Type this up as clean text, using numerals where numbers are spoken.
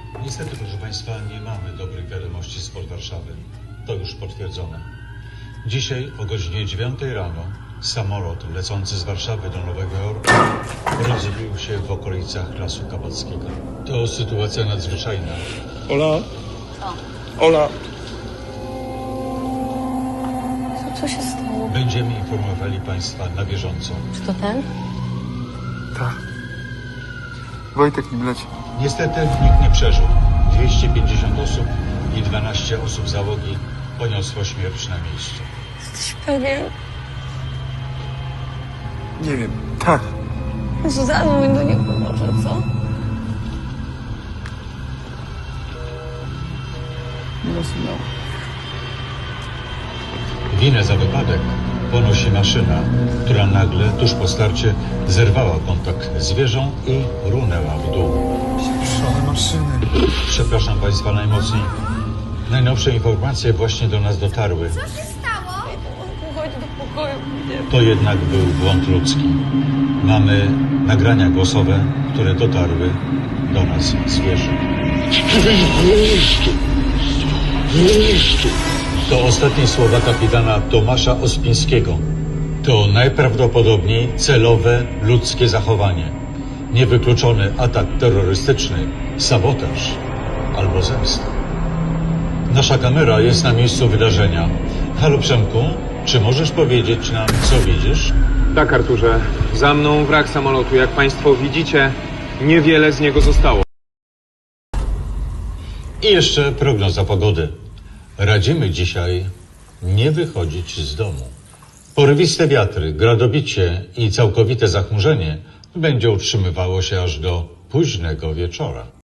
Niestety, proszę Państwa, nie mamy dobrych wiadomości z port Warszawy. To już potwierdzone. Dzisiaj o godzinie 9 rano samolot lecący z Warszawy do Nowego Jorku rozbił się w okolicach Lasu Kabackiego. To sytuacja nadzwyczajna. Ola? Co? Ola? Co się stało? Będziemy informowali Państwa na bieżąco. Czy to ten? Tak. Wojtek nim leci. Niestety nikt nie przeżył. 250 osób i 12 osób załogi poniosło śmierć na miejscu. Jesteś pewien? Nie wiem. Tak. Zadzwoń do niego może, co? Nie ma sygnału. Winę za wypadek ponosi maszyna, która nagle, tuż po starcie, zerwała kontakt z wieżą i runęła w dół. Pieprzone maszyny. Przepraszam Państwa najmocniej. Najnowsze informacje właśnie do nas dotarły. Co się stało? Chodź do pokoju. Nie. To jednak był błąd ludzki. Mamy nagrania głosowe, które dotarły do nas z wieży. To ostatnie słowa kapitana Tomasza Ospińskiego. To najprawdopodobniej celowe ludzkie zachowanie. Niewykluczony atak terrorystyczny, sabotaż albo zemsta. Nasza kamera jest na miejscu wydarzenia. Halo Przemku, czy możesz powiedzieć nam, co widzisz? Tak, Arturze. Za mną wrak samolotu. Jak Państwo widzicie, niewiele z niego zostało. I jeszcze prognoza pogody. Radzimy dzisiaj nie wychodzić z domu. Porywiste wiatry, gradobicie i całkowite zachmurzenie będzie utrzymywało się aż do późnego wieczora.